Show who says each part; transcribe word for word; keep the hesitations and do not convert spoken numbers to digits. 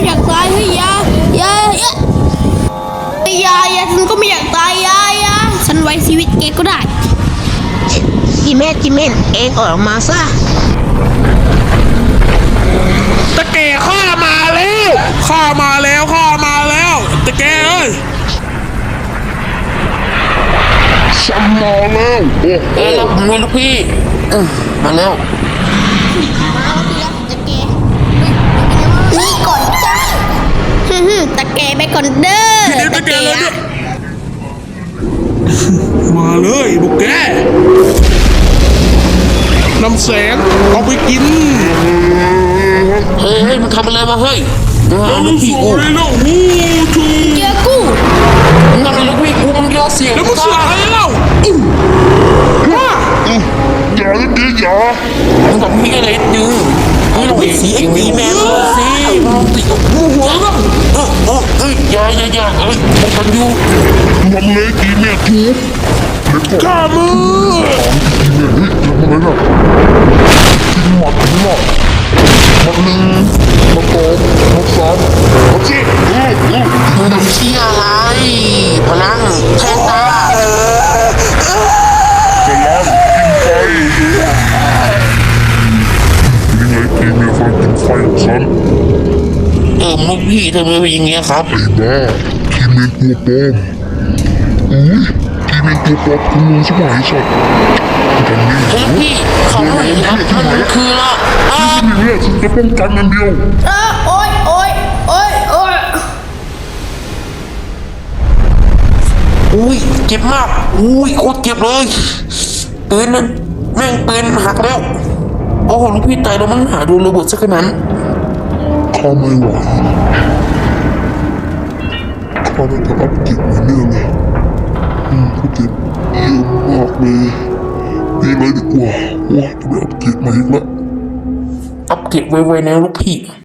Speaker 1: อยากตายเฮ้ยยายายายายาฉันก็ไม่อยากตายยายาฉันไว้ชีวิตแกก็ได้จิเมนจิเมนเองออกมาซะ
Speaker 2: ตะแกข้ามาแล้วข้ามาแล้วข้ามาแล้วตะแกเอ้ยฉันมาแล้วโอ้เอ้ยเราไม่ลูกพี่มาแล้ว
Speaker 1: มาแล้วพี่ตะแกนี่ก่อนจ้าฮึตะแกไปก่อนเด้อตะแก
Speaker 2: มาเลยบุกแกน้ำแสงเอาไปกิน
Speaker 3: เฮ้ยเฮ้ยมันทำอะไรมาเฮ้ยเอาลูกพี่กู
Speaker 2: แล้วหูชู
Speaker 1: เจอกู
Speaker 3: นั่นลูกพี่กูมันยอเสียง
Speaker 2: แล้วมันเสียอะไรเล่าว่า
Speaker 3: อย่าเลยดิอย่ามึงกับพี่อะไรดึงมึงต้องไปเสียงดีแมนสิมึงติดกับหัวแล้วเออเออเฮ้ยอย่าอย่าอย่าเอ้ยมันกันอยู่
Speaker 2: มันเลยดีแม่ทูข้ามือ
Speaker 3: ดีแม่เฮ้ยทำอะไรน่ะทิ้งหมดทิ้งหมดมันหนึ่งมันสองมันสามมันสี่เออเออมึงทำเชี่ยอะไรพลังแทงตา
Speaker 2: พลังกินไฟยังไงกินเนี่ยไฟกินไฟของฉัน
Speaker 3: เออมุกพี่ทำไมเป็นอย่างเงี้ยครับ
Speaker 2: ไอ้บ้าทีเมนตัวปลอมอุ้ยทีเมนตัวปลอมคุณรู้ใช่ไหมสัตว์กันนี่
Speaker 3: เฮ้ยพี่เขาไม่เห็นครับมันคือละ
Speaker 2: อ่าเนี่ยฉันจะป้องกันมันเดียว
Speaker 1: เออโอ๊ยโอ๊ยโอ๊ยโอ๊ย
Speaker 3: อุ้ยเจ็บมากอุ้ยโคตรเจ็บเลยปืนนั้นแม่งปืนหักแล้วโอ้โหลูกพี่ตายแล้วมันหาดูระเบิดสักขนาด
Speaker 2: ข้าไม่ไหวข้าไม่จะอัพกิจมาเนี่ยเลยอืมกูเจ็บเยอะมากเลยดีเลยดีกว่าว่าจะไปอัพกิจมาอีกแล้ว
Speaker 3: อัปเกรดไวๆนะลูกพี่